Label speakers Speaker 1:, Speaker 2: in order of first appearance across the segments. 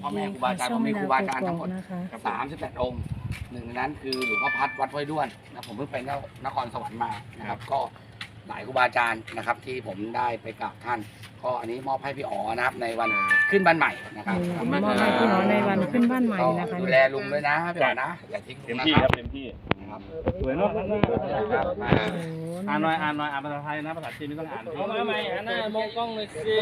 Speaker 1: พ่อแม่ครูบาอาจารย์ผมมีครูบาอาจารย์ทั้งหมด38 องค์หนึ่งในนั้นคือหลวงพ่อพัดวัดห้วยด้วนนะผมเพิ่งไปนครสวรรค์มานะครับก็หลายครูบาอาจารย์นะครับที่ผมได้ไปกราบท่านก็อันนี้มอบให้พี่อ๋อนะครับในวันขึ้นบ้านใหม่นะครับ
Speaker 2: มอบให้พี่อ๋อในวันขึ้นบ้านใหม่นะคะ
Speaker 1: ดูแลลุงด้วยนะพี่อ๋อนะอย่าทิ้งลุงนะครับ
Speaker 3: เต็มที่
Speaker 1: ครับ
Speaker 3: สวยเนาะ
Speaker 1: ครับมา
Speaker 3: อ่านหน่อยอ่านภาษาไทยนะภาษาจีนไม่ต้องอ่านเอามาใหม่อ่านหน้ามองกล้องเลยสิ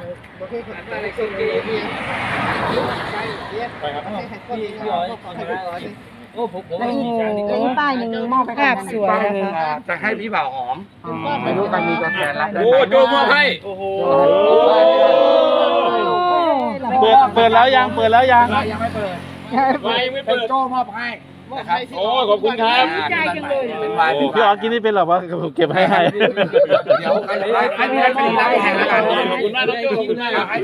Speaker 3: ไปครับพี่อ๋อโอ้ผม
Speaker 2: มีป้ายหนึ่งมอบภาพสวยนะคะ
Speaker 1: จะให้พี่บ่าวหอมไม่รู้กันมีตัวแทนแล้ว
Speaker 3: โอ้โจมอบให้โอ้โหเปิดแล้วยัง
Speaker 1: ยังไม่เปิด
Speaker 3: ไม่เปิด
Speaker 1: โจ้มอบให้นะครับ
Speaker 3: โอ้ขอบคุณครับ
Speaker 1: เป็นวาย
Speaker 3: พี่อ๋อกินนี่เป็นหรอวะผมเก็บให้
Speaker 1: เดี๋ยวให้พี่นัทไปดีรับแทนแล้วกันขอบคุณมากนะขอบคุณมากให้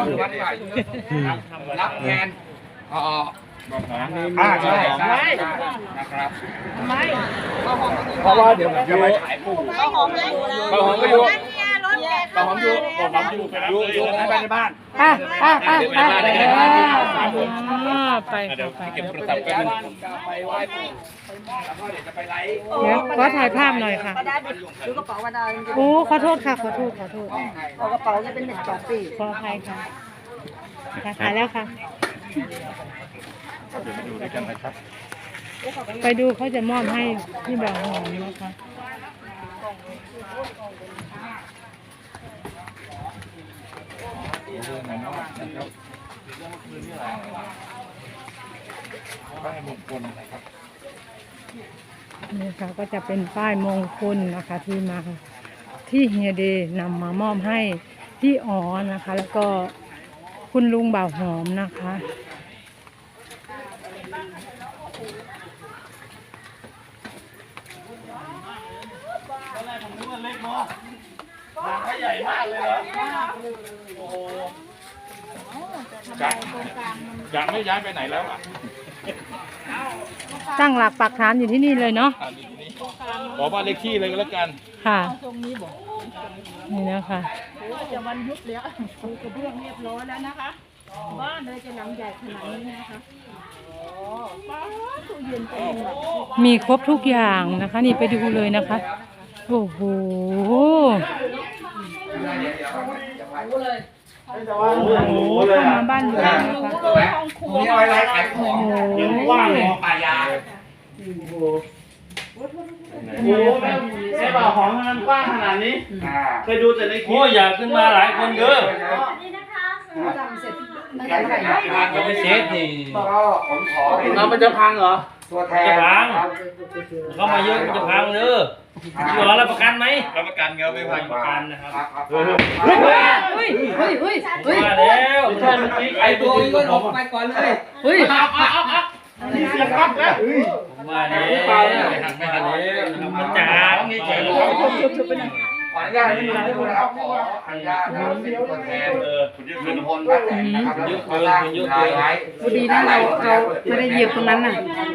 Speaker 1: รับแทนใช่นะครับเพราะว่าเดี๋ยวจะไปขายปูข้าวหอมก็อยู่ข้าวหอมอยู่ไปในบ้าน
Speaker 2: ไป
Speaker 3: เก็บโทรศัพท์กัน
Speaker 1: ไปไหว้ปู่แล้วก็เดี๋ยวจะไปไลฟ์
Speaker 2: เดี๋ยวขอถ่ายภาพหน่อยค่ะ
Speaker 4: ดูกระเป๋ามาดาว
Speaker 2: โอ้ขอโทษค่ะขอโทษ
Speaker 4: กระเป๋าจะเป็น1 2 ปี
Speaker 2: ขออภัยค่ะถ่ายแล้วค่ะไปดูเขาจะมอบให้พี่บ่าวหอมนะคะนี่ค่ะก็จะเป็นป้ายมงคลนะคะที่มาที่เฮียเดนำมามอบให้พี่อ๋อนะคะ แล้วก็คุณลุงบ่าวหอมนะคะ
Speaker 3: ใหญ่มากเลยเหรอโอ้โหจะไม่ย้ายไปไหนแล้วอ่ะ
Speaker 2: ตั้งหลักปักฐานอยู่ที่นี่เลยเนาะ
Speaker 3: ขอบ้านเลขที่เลยก็แล้วกัน
Speaker 2: ค่ะนี่นะคะ
Speaker 4: จะวันยุบแล้วปูกระเบื้องเรียบร้อยแล้วนะคะบ้านเลยจะหลังใหญ่ขนาดนี้นะคะตู้เย็นเต็มแบบ
Speaker 2: มีครบทุกอย่างนะคะนี่ไปดูเลยนะคะโอ้โหเข้ามาบ้านหลวงนะคะ
Speaker 1: มีอะไรไลฟ์ขายของว่างป่ายา
Speaker 3: ใช่ป่าหอมมันกว้างขนาดนี้เคยดูแต่ในคลิปโอ้อยากขึ้นมาหลายคนเด้อ
Speaker 4: นี่นะคะทำเสร็จ
Speaker 3: จะไม่เซ็ตนี่
Speaker 1: ก็ผมขอเป็น
Speaker 3: มันจะพังเหรอ
Speaker 1: ตัวแทน
Speaker 3: จะพังเข้ามาเยอะจะพังเด้อพี่อ๋อรับประกันไหมรับประกันครับไม่พังประกันนะครับมาแล้วไอ้ตัวนี้ก็ออกไปก่อนเลยเฮ้ยนี่เสียงครับแล้วมาแล้วไม่ทันแล้วมันจ๋าไงเจ๋ง
Speaker 1: ขออนุญาตให้ดูนะครับขออนุญาตนะครับเป็นตัวแทนลุงพลป้าแตนนะครับแล้วก็สร้างรายไว้
Speaker 2: ดีนะเราไม่ได้เหยียบตรงนั้นน่ะ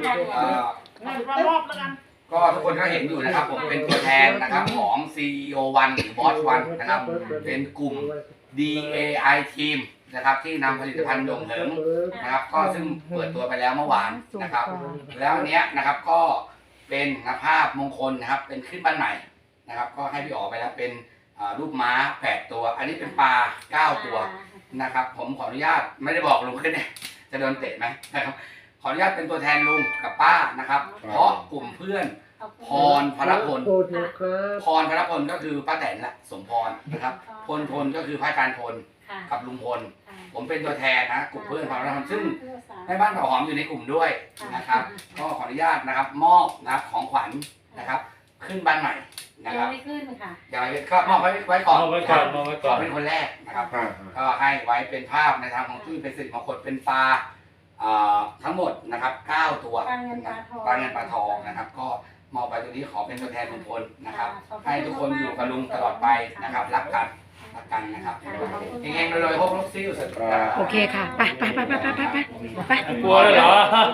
Speaker 1: ก็ทุกคนก็เห็นอยู่นะครับผมเป็นตัวแทนนะครับของ CEO1 หรือ Boss 1นะครับเป็นกลุ่ม DAI Team นะครับที่นำผลิตภัณฑ์โด่งเหิงนะครับก็ซึ่งเปิดตัวไปแล้วเมื่อวานนะครับแล้วเนี้ยนะครับก็เป็นภาพมงคลนะครับเป็นขึ้นบ้านใหม่นะครับก็ให้พี่อ๋อไปแล้วเป็นรูปม้า8 ตัวอันนี้เป็นปลา9 ตัวนะครับผมขออนุญาตไม่ได้บอกลุงขึ้นเนี่ยจะโดนเตะไหมนะครับขออนุญาตเป็นตัวแทนลุงกับป้านะครับเพราะกลุ่มเพื่อนพรพรพลพรพรพลก็คือป้าแตนละสมพรนะครับพลก็คือพระอาจารย์พลกับลุงพลผมเป็นตัวแทนนะกลุ่มเพื่อนพรพลซึ่งแม่บ้านเผาหอมอยู่ในกลุ่มด้วยนะครับก็ขออนุญาตนะครับมอบนะครับของขวัญนะครับขึ้นบ้านใหม่นะครับ
Speaker 4: ไม่ขึ้นค่ะ
Speaker 1: อย่าก็มอบไว้ก่อนขอเป็นคนแรกนะครับก็ให้ไว้เป็นภาพในทางของที่เป็นสิริมงคลเป็นปลาทั้งหมดนะครับ9 ตัวปลาเงินปลาทองนะครับก็มอบไปตัวนี้ขอเป็นตัวแทนลุงพลนะครับให้ทุกคนอยู่กับลุงตลอดไปนะครับรักกันนะครับเฮงๆรวยๆพวกลูกซิ่วสุด
Speaker 2: โอเคค่ะไป
Speaker 3: กลัวเลยเหรอ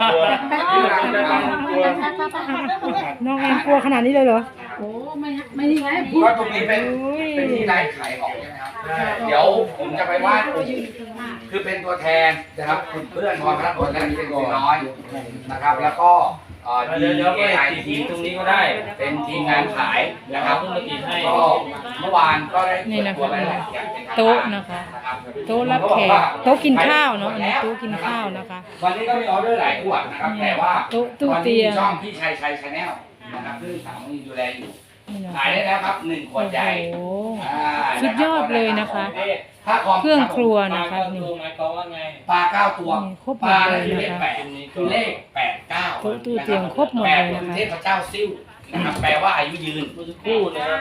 Speaker 2: น้องแอนกลัวขนาดนี้เลยเหรอ
Speaker 4: โอ้ไม่นี่ไง
Speaker 1: ก็ตรงนี้เป็นที่ไลฟ์ขายของใช่ไหมครับเดี๋ยวผมจะไปวาดคือเป็นตัวแทนนะครับคุณเพื่อนพรพนัสพลและเป็นตัวน้อยนะครับ แล้วก็
Speaker 3: เดี๋ยวไป
Speaker 1: DAI
Speaker 3: ติด
Speaker 1: ทีม
Speaker 3: ตรงนี้ก็ได้
Speaker 1: เป็นทีมงานขายนะครับ
Speaker 3: เพิ่งมาติดให้
Speaker 1: ก็เมื่อวานก็ได้
Speaker 2: นี่นะคะ
Speaker 1: เปิดตัวไปแล้วอย่างเป็นทางการ
Speaker 2: โต๊ะนะคะ
Speaker 1: นะครับ
Speaker 2: โต๊ะรับแขกโต๊ะกินข้าวเนาะอันนี้โต๊ะกินข้าวนะคะ
Speaker 1: วันนี้ก็มีออเดอร์หลายขวดนะครับแต่ว่า
Speaker 2: โต๊ะตู้
Speaker 1: วัน
Speaker 2: เตี
Speaker 1: นี้
Speaker 2: ย
Speaker 1: มี
Speaker 2: ง
Speaker 1: ช่องพี่ชัยชาแนลนะครับซึ่งสาวมีดูแลอยู่
Speaker 2: นี่นะ
Speaker 1: ขาย
Speaker 2: คะ
Speaker 1: ได้แล้วครับ1 ขวดใหญ่
Speaker 2: โอ้โห
Speaker 1: อ่า
Speaker 2: สุดยอดเลยนะคะ
Speaker 1: ถ้าคอม
Speaker 2: เครื่องครัว
Speaker 3: ปลา
Speaker 2: นะคะ
Speaker 3: ก็
Speaker 2: นี่
Speaker 3: ตัวหมายความว่าไง
Speaker 1: ปลา9 ตัว
Speaker 2: นี่ครบห
Speaker 1: ป
Speaker 2: มด
Speaker 1: ลา
Speaker 2: เล
Speaker 1: นั่น
Speaker 2: ย
Speaker 1: คือเล
Speaker 2: นะ
Speaker 1: ข
Speaker 2: คะ
Speaker 1: 8คือเลข8 9
Speaker 2: โต๊ะตู้เตียงครบหมดเลยนะคะ
Speaker 1: 8คือเทพเจ้าซิ่วนะครับแปลว่าอายุยืน
Speaker 3: เมื่อสักครู่นะครับ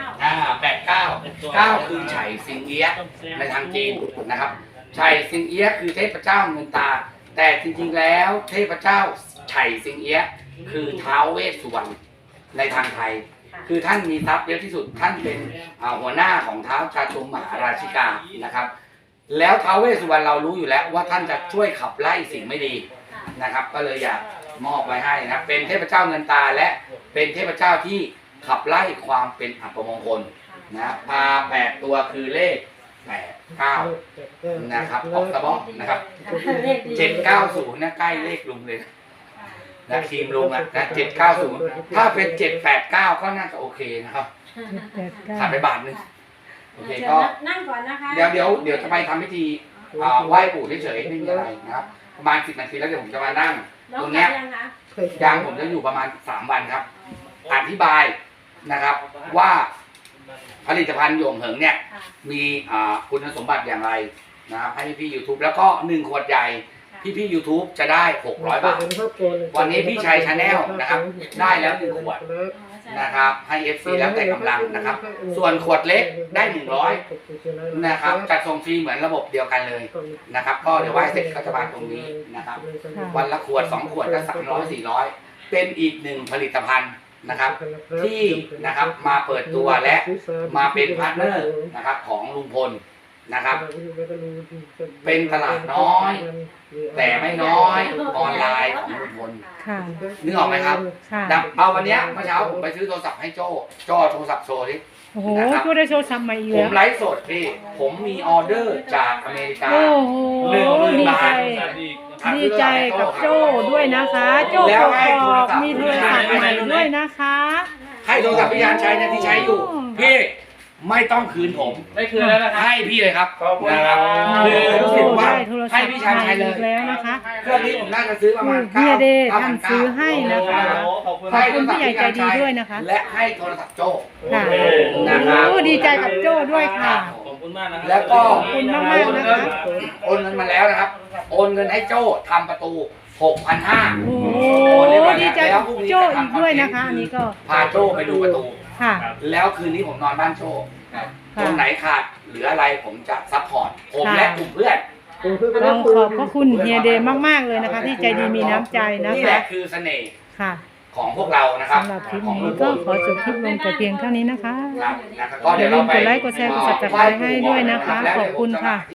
Speaker 1: 8 9 คือไฉสิงเอี้ยะในทางจีนนะครับไฉสิงเอี้ยะคือเทพเจ้าเงินตา แต่จริงๆแล้วเทพเจ้าไฉสิงเอี้ยะคือท้าวเวสสุวรรณในทางไทย คือท่านมีทรัพย์เยอะที่สุดท่านเป็นหัวหน้าของท้าวชาตุมหาราชิกานะครับ แล้วท้าวเวสสุวรรณเรารู้อยู่แล้วว่าท่านจะช่วยขับไล่สิ่งไม่ดีนะครับ ก็เลยอยากมอบไว้ให้นะครับเป็นเทพเจ้าเงินตาและเป็นเทพเจ้าที่ขับไล่ความเป็นอัปมงคลนะปลา8 ตัวคือเลข8 9นะครับออกตะบอกนะครับ790นะใกล้เลขลุงเลยนะทีมลุงนะ790ถ้าเป็น789ก็น่าจะโอเคนะครับ
Speaker 2: 789
Speaker 1: ขาดไปบาทนึงโอเคก็
Speaker 4: นั่งก่อนนะคะ
Speaker 1: เดี๋ยวจะไปทำพิธีไหว้ปู่เฉยๆไม่มีอะไรนะครับประมาณ10 นาทีแล้วเดี๋ยวผมจะมานั่ง ตรงเนี้ยยางผมจะอยู่ประมาณ3 วันครับอธิบายนะครับว่าผลิตภัณฑ์หยงเหิงเนี่ยมีคุณสมบัติอย่างไรนะครับให้พี่ YouTube แล้วก็1 ขวดใหญ่พี่ YouTube จะได้600 บาทวันนี้พี่ชัยชาแนลนะครับได้แล้ว1 ขวดนะครับให้ FC แล้วแต่กำลังนะครับส่วนขวดเล็กได้100นะครับจัดส่งฟรีเหมือนระบบเดียวกันเลยนะครับก็เดี๋ยวไหว้เสร็จก็จะมาตรงนี้นะครับวันละขวด2 ขวดก็300 400เป็นอีก1 ผลิตภัณฑ์นะครับที่นะครับมาเปิดตัวและมาเป็นพาร์ทเนอร์นะครับของลุงพลนะครับเป็นตลาดน้อยแต่ไม่น้อยออนไลน์ของลุงพล
Speaker 2: ค่ะ
Speaker 1: นึกออกไหมครับ
Speaker 2: ค่ะ
Speaker 1: เอาวันเนี้ยเมื่อเช้าผมไปซื้อโทรศัพท์ให้โจ้โทรศัพท์โชว์ดิ
Speaker 2: โอ้โหตัวได้โชว์ซ้ำมาอีก
Speaker 1: ผ
Speaker 2: แล้
Speaker 1: ม
Speaker 2: ว
Speaker 1: ไลฟ์สดพี่ผมมีออเดอร์จากอเมริกา
Speaker 2: โอ้โห
Speaker 1: 10,000
Speaker 2: ดี
Speaker 1: บา
Speaker 2: ใจ
Speaker 1: ท
Speaker 2: ดีใจกับโจ้ด้วยนะคะ โจ้กอกมีโทรศัพท์ใหม่ด้วยนะคะ
Speaker 1: ให้โทรศัพท์พี่ยานชัยนะที่ใช้อยู่ พี่ไม่ต้องคืนผม
Speaker 3: ได้คืนแล้วนะครับ
Speaker 1: ให้พี่เลยครับ
Speaker 3: ขอบคุณ
Speaker 1: นะครับ
Speaker 3: ครับ
Speaker 1: คือรู้สึกว่า
Speaker 2: ได้โทรศั
Speaker 1: ให้
Speaker 2: พท์
Speaker 1: พี่ชานชัยเล
Speaker 2: อี
Speaker 1: ย
Speaker 2: กแล้วนะคะ
Speaker 1: เครื่องนี้ผมน่าจะซื้อประมาณ
Speaker 2: เฮียเดย์ท่านซื้อให้นะคะ
Speaker 3: ขอบคุณ
Speaker 2: ขอบคุณผู้ใหญ่ใจดีด้วยนะคะ
Speaker 1: และให้โทรศัพท์โจ้
Speaker 2: ค่ะ
Speaker 1: นะครับ
Speaker 2: โอ้ดีใจกับโจ้ด้วยค่ะ
Speaker 3: ขอบคุณมากนะครับ
Speaker 1: แล้วก็
Speaker 2: ขอบคุณมากๆนะคะ
Speaker 1: โอนเงินมาแล้วนะครับ โอนเงินให้โจ้ทำประตู 6,500
Speaker 2: โอ้โหดีใจกับโจ้อีกด้วยนะคะอันนี้ก็
Speaker 1: พาโจ้ไปดูประตู
Speaker 2: ค่ะ
Speaker 1: แล้วคืนนี้ผมนอนบ้านโจ้ตรงไหนขาดเหลืออะไรผมจะซัพพอร์ตผมและกลุ่มเพื่อน
Speaker 2: ต้องขอบพระคุณเฮียเดย์มากๆเลยนะคะ ที่ใจดีมีน้ำใจนะ
Speaker 1: นี่แห
Speaker 2: คะ
Speaker 1: ละคือเสน่ห์
Speaker 2: ค่ะ
Speaker 1: ของพวกเรานะครับ
Speaker 2: สำหรับคลิป
Speaker 1: ของ
Speaker 2: นี้
Speaker 1: ลุงพ
Speaker 2: ก็
Speaker 1: ล
Speaker 2: ขอจบคลิปลงแต่เพียงเท่านี้นะคะ
Speaker 1: ครับนะครับก็
Speaker 2: อ
Speaker 1: เดี๋ย
Speaker 2: ย่าว ลื
Speaker 1: เรา
Speaker 2: ม
Speaker 1: ไป
Speaker 2: กดไลค์กดแชร์กด subscribe ให้ด้วยนะคะ ขอบคุณค่ะ